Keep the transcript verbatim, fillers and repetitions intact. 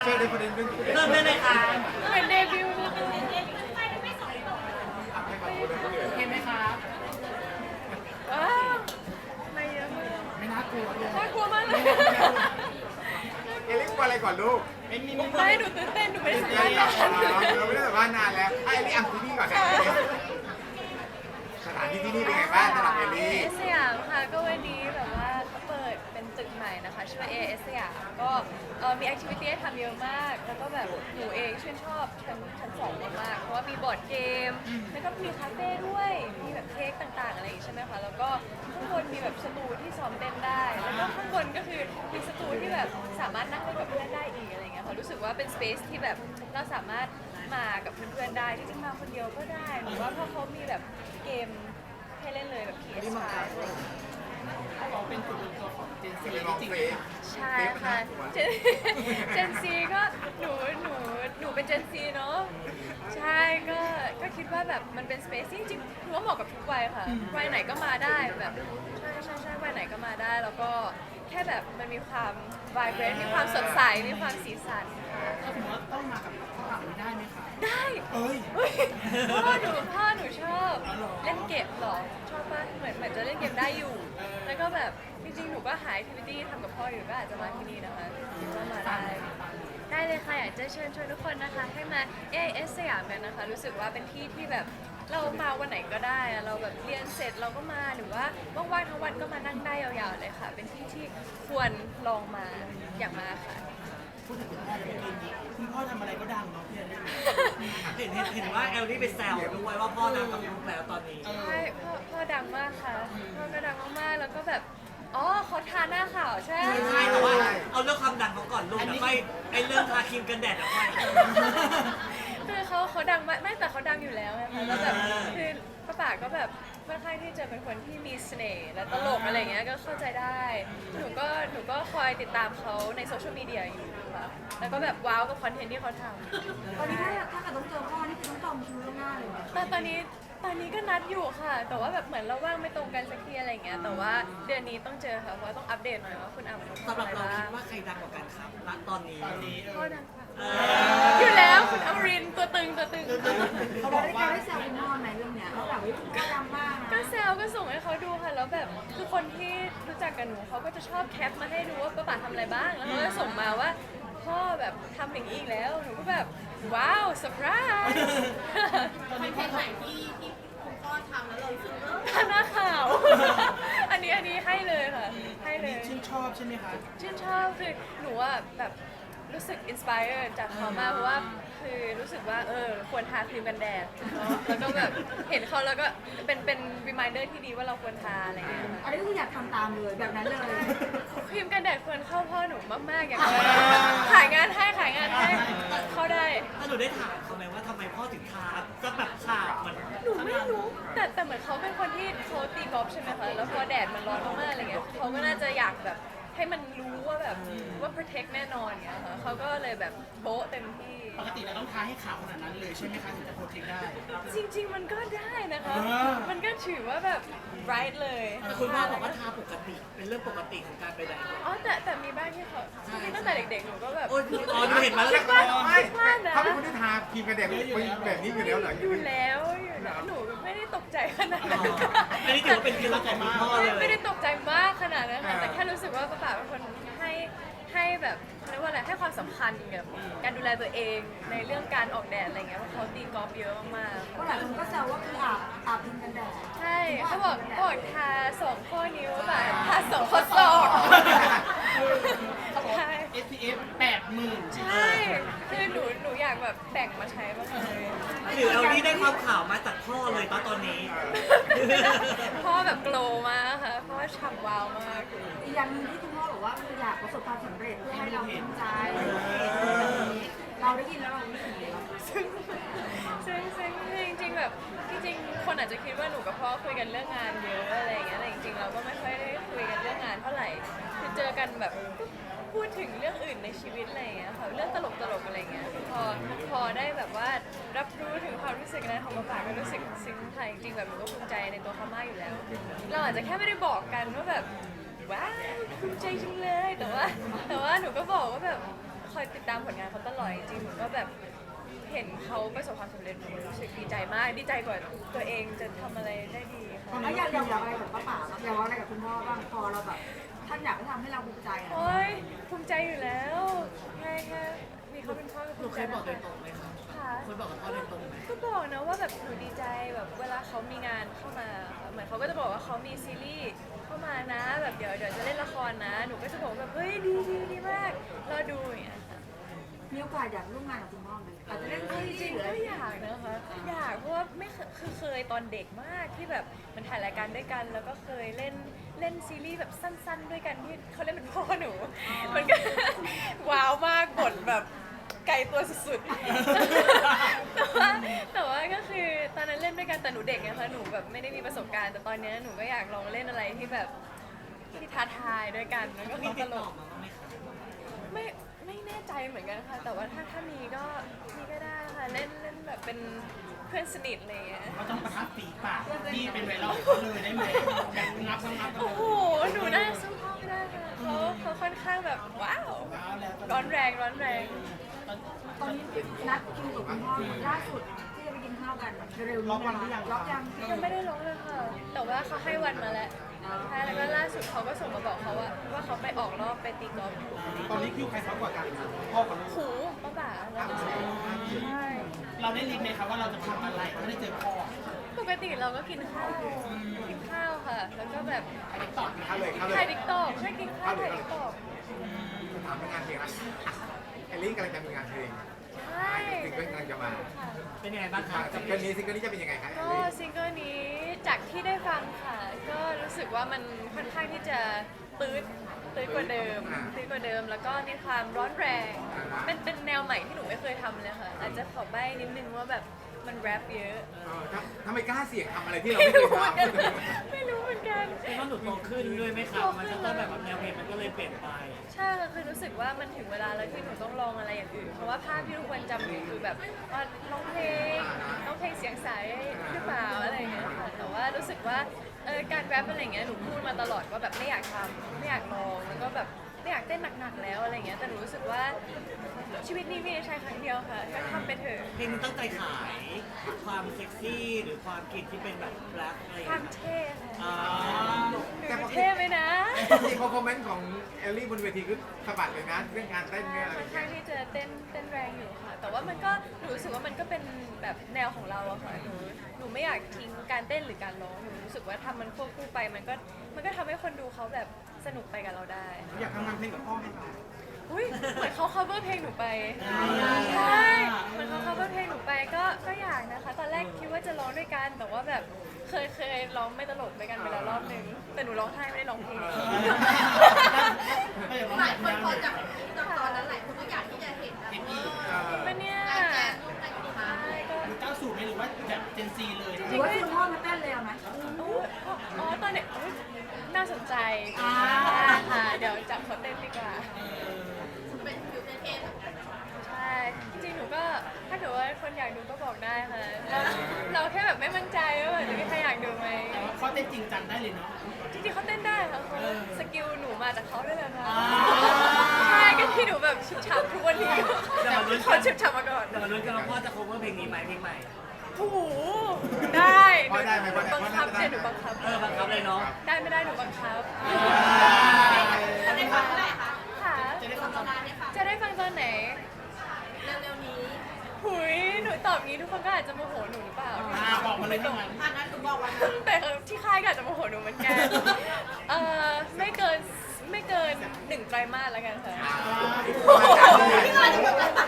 เชิญในประเด็นเรื่องที่เริ่มได้เลยค่ะเหมือนเดบิวต์เลยเห็นไหมครับว้าวไม่เยอะมากไม่น่ากลัวเลยน่ากลัวมากเลยเอลิกว่าอะไรก่อนลูกไม่มีไม่หนูตื่นเต้นหนูไม่ได้สัมเอภาษลิณ์กกันเราไม่ได้สัมภาษณ์นานแล้วไอ้เอลิกอ่ะที่นี่ก่อนนะสถานที่ที่นี่เป็นไงบ้างสำหรับเอลิเอก สยามค่ะก็วันนี้แบบว่าเขาเปิดเป็นตึกใหม่นะคะชื่อว่าเอสยามก็เอ่อมีแอคทิวิตี้ให้ทำเยอะมาก แล้วก็แบบหนูเองชื่นชอบชั้นชั้นสองมากๆเพราะว่ามีบอร์ดเกม แล้วก็มีคาเฟ่ด้วย มีแบบเค้กต่างๆอะไรอย่างงี้ใช่ไหมคะ แล้วก็ข้างบนมีแบบสตูที่ซ้อมเต้นได้ แล้วก็ข้างบนก็คือมีสตูที่แบบสามารถนั่งเล่นกับเพื่อนได้อีกอะไรอย่างเงี้ยค่ะรู้สึกว่าเป็นสเปซที่แบบเราสามารถมากับเพื่อนๆได้จริงๆมาคนเดียวก็ได้หรือว่าเพราะเขามีแบบเกมให้เล่นเลยแบบ พี เอส ไฟว์ อะไรอย่างเงี้ยเขาบอกเป็นจุดรวมตัวของเจนซีเป็นลองจริงเฟซใช่ค่ะเจนเจนซีก็หนูหนูหนูเป็นเจนซีเนาะใช่ก็ก็คิดว่าแบบมันเป็นสเปซที่จริงๆถือว่าเหมาะกับทุกวัยค่ะวัยไหนก็มาได้แบบใช่ใช่ใช่วัยไหนก็มาได้ แล้วก็แค่แบบมันมีความไวเบรนมีความสดใสมีความสีสันค่ะถ้าสมมติว่าต้องมากับฝรั่งได้ไหมคะได้เอ้ยเฮ้ยพ่อหนูพ่อหนูชอบเล่นเกมเหรอชอบป่ะเหมือนเหมือนจะเล่นเกมได้อยู่ แล้วก็แบบจริงๆหนูก็หาแอคทิวิตี้ทำกับพ่ออยู่ก็อาจจะมาที่นี่นะคะคิดว่ามาได้ ได้เลยค่ะอยากจะเชิญชวนทุกคนนะคะให้มา เอ เอส สยามกันนะคะ รู้สึกว่าเป็นที่ที่แบบเรามาวันไหนก็ได้อะเราแบบเรียนเสร็จเราก็มาหรือว่าว่างๆทั้งวันก็มานั่งได้ยาวๆเลยค่ะ เป็นที่ที่ควรลองมาอยากมาค่ะพูดถึงคุณพ่อเมื่อกี้นี้คุณพ่อทำอะไรก็ดังเนาะพี่เอลี่เห็นเห็นเห็นว่าแอลลี่ไปแซวด้วยว่าพ่อดังกับลูกแล้วตอนนี้เออใช่พ่อพ่อดังมากค่ะพ่อก็ดังมากๆแล้วก็แบบอ๋อเขาทาหน้าขาวใช่ไหมใช่แต่ว่าเอาเรื่องความดังเขาก่อนลูกแต่ไม่ไอเรื่องทาครีมกันแดดอะไม่คือเขาเขาดังมากไม่แต่เขาดังอยู่แล้วไงคะแล้วแบบคือป้าป๋าก็แบบค่อนข้างที่จะเป็นคนที่มีเสน่ห์และตลกอะไรเงี้ยก็เข้าใจได้ หนูก็หนูก็คอยติดตามเขาในโซเชียลมีเดียอยู่ค่ะแล้วก็แบบว้าวกับคอนเทนต์ที่เขาทำตอนนี้ถ้าถ้าเกิดต้องเจอพ่อนี่คือต้องจองคิวล่วงหน้าเลยไหมแต่ตอนนี้ตอนนี้ก็นัดอยู่ค่ะ แต่ว่าแบบเหมือนเราว่างไม่ตรงกันสักทีอะไรเงี้ยแต่ว่าเดือนนี้ต้องเจอค่ะเพราะว่าต้องอัปเดตหน่อยว่าคุณอ่ำสำหรับเราคิดว่าใครดังกว่ากันครับณตอนนี้ตอนนี้เอพ่ออดังค่ะเออยู่แล้วคุณอมรินทร์ตัวตึงตัวตึงเขาบเราอกได้ว่าได้แซวคุณพ่อไหมเรื่องเนี้ยว่าแบบว่าคุณพ่อดังมากก็นะแซวก็ส่งให้เขาดูค่ะแล้วแบบคือคนที่รู้จักกับหนูเขาก็จะชอบแคปมาให้ดูว่าป้าป๋าทำอะไรบ้างแล้วเขาก็ส่งมาว่าพ่อแบบทำอย่างนี้อีกแล้วหนูก็แบบว้าวเซอร์ไพรส์ตอนนี้พ่อทหน้าขาว อันนี้อันนี้ให้เลยค่ะให้ำเลนี่ยชื่นชอบใช่ไหมคะชื่นชอบคือหนูอะแบบรู้สึกอินสปายจากเขามากเพราะว่าคือรู้สึกว่าเออควรทาครีมกันแดดเนอะแล้วก็แบบเห็นเขาแล้วก็เป็นเป็นรีมายเดอร์ที่ดีว่าเราควรทาอะไรอย่างเงี้ยอันนี้ก็คืออยากทำตามเลยแบบนั้นเลยครีมกันแดดควรเข้าพ่อหนูมากๆอย่างเลยขายงานให้ขายงานให้เข้าได้ถ้าหนูได้ถามเขาไหมว่าทำไมพ่อถึงทาจะแบบขาดเหมือนหนูไม่รู้แต่แต่เหมือนเขาเป็นคนที่เขาตีกอล์ฟใช่ไหมคะแล้วพอแดดมันร้อนมากๆอะไรเงี้ยเขาก็น่าจะอยากแบบให้มันรู้ว่าแบบว่า protect แน่นอนเงี้ยค่ะเขาก็เลยแบบโบ๊ะเต็มที่ปกติเราต้องทาให้ขาวขนาดนั้นเลยใช่ไหมคะถึงจะโปรเทคได้จริง ๆ มันก็ได้นะคะเออมันก็ถือว่าแบบ bright เลยแต่คุณพ่อบอกว่าทาปกติ เป็นเรื่องปกติของการไปไหนอ๋อแต่แต่มีบ้างที่เขาจริงๆตั้งแต่เด็กๆหนูก็แบบโอ้ยอ๋อหนูเห็นมาแล้วคิดว่าไม่คิดว่านะเขาเป็นคนที่ทาครีมกันแดดแบบนี้อยู่แล้วเหรออยู่แล้วอยู่แล้วหนูไม่ได้ตกใจขนาดนั้นอันนี้ถือว่าเป็นเคล็ดลับของคุณพ่อเลยไม่ได้ตกใจมากขนาดนั้นค่ะแต่แค่รู้สึกว่าป้าป๋าเป็นคนให้ให้แบบเรียกว่าอะไรให้ความสำคัญกับการดูแลตัวเองในเรื่องการออกแดดอะไรเงี้ยเพราะเขาตีกอล์ฟเยอะมากเพราะหลายคนก็แซวว่าคืออาบอาบพิมกันแดดๆใช่เขาบอกบอกทาสองข้อนิ้วแบบทาสองข้อศอกใช่เอส พี เอฟ แปดหมื่นใช่คือหนูหนูอยากแบบแบ่งมาใช้บ้างเลยหรือเอานี่ได้ความข่าวมาจากพ่อเลยตอนตอนนี้พ่อแบบโกลว์มากค่ะเพราะว่าฉ่ำวาวมากอีกอย่างหนึ่งที่คุณพ่อบอกว่าคืออยากประสบความสำเร็จเพื่อให้เราภูมิใจเราได้ยินแล้วเรารู้สึกยังไงบ้างซึ่งซึ่งซึ่งจริงๆแบบจริงๆคนอาจจะคิดว่าหนูกับพ่อคุยกันเรื่องงานเยอะอะไรอย่างเงี้ยแต่จริงๆเราก็ไม่ค่อยได้คุยกันเรื่องงานเท่าไหร่คือเจอกันแบบพูดถึงเรื่องอื่นในชีวิตอะไรอย่างเงี้ยค่ะเรื่องตลกๆอะไรอย่างเงี้ยพอพอได้แบบว่ารับรู้ถึงความรู้สึกนั้นของป้าป๋าก็รู้สึกซึ้งค่ะจริงๆแบบหนูก็ภูมิใจในตัวเขามากอยู่แล้ว เราอาจจะแค่ไม่ได้บอกกันว่าแบบว้าวภูมิใจจังเลยแต่ว่าแต่ว่าหนูก็บอกว่าแบบคอยติดตามผลงานเขาตลอดจริงๆหนูก็แบบเห็นเขาประสบความสำเร็จหนูรู้สึกดีใจมากดีใจกว่าตัวเองจะทำอะไรได้ดีค่ะแล้วอยากอยากบอกอะไรกับป้าป๋าบ้างอยากบอกอะไรกับคุณพ่อบ้างพอเราแบบท่านอยากให้ทำให้เราภูมิใจอะโอ้ยภูมิใจอยู่แล้วแค่แค่มีเขาเป็นพ่อก็หภูนูมิเคใจยบอกโดแล้ยว ตรงไหมคะค่ะเคยบอกกับพ่อโดยตรงไหมก็บอกนะว่าแบบหนูดีใจแบบเวลาเขามีงานเข้ามาเหมือนเขาก็จะบอกว่าเขามีซีรีส์เข้ามานะแบบเดี๋ยวเดี๋ยวจะเล่นละครนะ หนูก็จะบอกแบบเฮ้ยดีดีดีมากรอดูอย่างเงี้ยค่ะมีโอกาสอยากร่วมงานกับคุณพ่อไหมอาจจะเล่นเอาซีจรีริงส์หรือๆอะไรก็อยากนะคะอยากเพราะว่าไม่เคยคือเคยตอนเด็กมากที่แบบมันถ่ายรายการด้วยกัน แล้วก็เคยเล่นเล่นซีรีส์แบบสั้น ๆ ด้วยกันที่เขาเล่นเป็นพ่อหนู มันก็ ว้าวมากบทแบบไกลตัวสุดๆ แต่ว่าแต่ว่าก็คือตอนนั้นเล่นด้วยกันแต่หนูเด็กไงคะหนูแบบไม่ได้มีประสบการณ์ แต่ตอนเนี้ยหนูก็อยากลองเล่นอะไรที่แบบที่ท้าทายด้วยกันแล้วก็มีตติดลต่อก มาบ้างไหมคะไม่ไม่แน่ใจเหมือนกันค่ะ แต่ว่าถ้าถ้ามีก็มีก็ได้ค่ะเล่นเล่นแบบเป็นเพื่อนสนิทอะไรอย่างเงี้ยเขาต้องประทับฝีปากที่เป็นไวรัลเขาเลยได้ไหมแบบงับงับงับโอ้โหหนูน่าสู้พ่อไม่ได้ค่ะเขาเขาค่อนข้างแบบว้าวแล้วแล้วร้อนแรงร้อนแรงตอนนี้นัดคิวกับคุณพ่อล่าสุดที่จะไปกินข้าวกันเร็วๆนี้นะคะล็อกยังยังไม่ได้ร้องเลยค่ะ แต่ว่าเขาให้วันมาแล้วใช่แล้วก็ล่าสุดเขาก็ส่งมาบอกเขาว่าว่าเขาไปออกรอบไปตีกอล์ฟตอนนี้คิวใครซ้อกว่ากันพ่อกับลูกหูป้าบ่าแล้วก็ใช่เราได้ลิสต์ไหมครับว่าเราจะทำอะไรไม่ได้เจอพ่อปกติเราก็กินข้าวกินข้าวค่ะ แล้วก็แบบต่อเข้าเลยเข้าเลถ่ายยดิกตอกใช่กินข้าวถ่ายดิกตอกถามงานเพลงอะไรแอลลี่กำลังจะมีงานเพลงใช่ซิงเกิลกำลังจะมาค่ะเป็นยังไงบ้างคะซิงเกิลนี้ซิงเกิลนี้จะเป็นยังไงคะแอลก็ลี่ซิงเกิลนี้จากที่ได้ฟังค่ะ ก็รู้สึกว่ามันค่อนข้างที่จะตื้ดตื้ดกว่าเดิมตื้ดกว่าเดิม แล้วก็มีความร้อนแรง เป็นเป็นแนวใหม่ที่หนูไม่เคยทำเลยค่ะ อาจจะขอใบ้นิดนึงว่าแบบมันแรปเยอะเออทำทำไมกล้าเสี่ยงทำอะไรที่เราไม่ไม่เคยรู้เหมือนกันทำไม่รู้เหมือนกันเป็นว่าหนูโตขึ้นด้วยไหมครับมันจะต้องแบบแนวเพลงมันก็เลยเปลี่ยนไปใช่ค่ะคือรู้สึกว่ามันถึงเวลาแล้วที่หนูต้องลองอะไรอย่างอื่น เพราะว่าภาพที่ทุกคนจำหนูคือแบบว่าร้องเพลงร้องเพลงเสียงใสหรือเปล่าอะไรอย่างเงี้ยค่ะ แต่ว่ารู้สึกว่าเออการแรปอะไรอย่างเงี้ยหนูพูดมาตลอดว่าแบบไม่อยากทำไม่อยากลองแล้วก็แบบไม่อยากเต้นหนักๆแล้วอะไรอย่างเงี้ย แต่หนูรู้สึกว่าชีวิตนี้มีใช้ครั้งเดียวค่ะก็ทำไปเถอะเพลงมันตั้งใจขายความเซ็กซี่หรือความกลิ่นที่เป็นแบบแรปอะไรอย่างความเงี้ยเท่ค่ะอ่าหนูเท่ไหมนะจริงๆพอคอมเมนต์ของแอลลี่บนเวทีคือสะบัดเลยนะเรื่องการเต้นเนี่ยอะไรค่อนเงี้ข้างยที่จะเต้นเต้นแรงอยู่ค่ะ แต่ว่ามันก็หนูรู้สึกว่ามันก็เป็นแบบแนวของเราอะค่ะหนูหนูไม่อยากทิ้งการเต้นหรือการร้องหนูรู้สึกว่าทำมันควบคู่ไปมันก็มันก็ทำให้คนดูเขาแบบสนุกไปกับเราได้อยากทำงานเพลงกับพ่อไหมคะอุ้ยเหมือนเขา cover เพลงหนูไปอ่าใช่เหมือนเขา cover เพลงหนูไปก็ก็อยากนะคะ ตอนแรกคิดว่าจะร้องด้วยกัน แต่ว่าแบบเคยเคยร้องไม่ตลกด้วยกันไปแล้วรอบนึงแต่หนูร้องไห้ไม่ได้ร้องเพลงไม่อยากร้องหลายแบบคนนั้นพอจากจากตอนนั้นหลายคนก็อยากที่จะเห็นนะเห็นอีกเป็นเนี่ยการแจกรูปในกลุ่มใช่ก็เก้าสูตรไหมหรือว่าแบบเจนซีเลยหรือว่าคุณพ่อมาเต้นเลยเอาไหมอุ๊ยอ๋อตอนเด็กอุ๊ยน่าสนใจอ่าค่ะเดี๋ยวจับเขาเต้นดีกว่าเป็นฟิวเทนใช่ จริงๆ หนูก็ถ้าเกิดว่าคนอยากดูก็บอกได้ค่ะ เราเราแค่แบบไม่มั่นใจว่าแบบจะมีใครอยากดูไหมแต่ว่าข้อเต้นจริงจังได้เลยเนาะจริงๆเขาเต้นได้ค่ะเขาสกิลหนูมาจากเขาด้วยแหละค่ะอ่าใช่ก็ที่หนูแบบฉุบฉับทุกวันนี้เดี๋ยวมาลุ้นเขาฉุบฉับมาก่อนเดี๋ยวมาลุ้นกันว่าพ่อจะ cover เพลงนี้ไหมเพลงใหม่โอ้โหได้พอได้ไหมหพนูอได้บังคับพอได้เดี๋ยวหนูบังคับเออบังคับเลยเนาะได้ไม่ได้หนูบังคับจะได้ฟังเมื่อไหร่คะค่ะจะได้ตฟัอง นตอนร้านเนี่ยค่ะจะได้ฟังตอนไหนเร็วๆนี้หุยหนูตอบงี้ทุกคนก็อาจจะโมโหหนูหรือเปล่าอ่าบอกมาเลยทั้งนั้นอันนั้นหนูบอกวันนั้นแต่ที่ค่ายก็อาจจะโมโหหนูเหมือนกัน เอ่อไม่เกินไม่เกินหนึ่งไตรมาสแล้วกันค่ะพี่ก็จะแบบ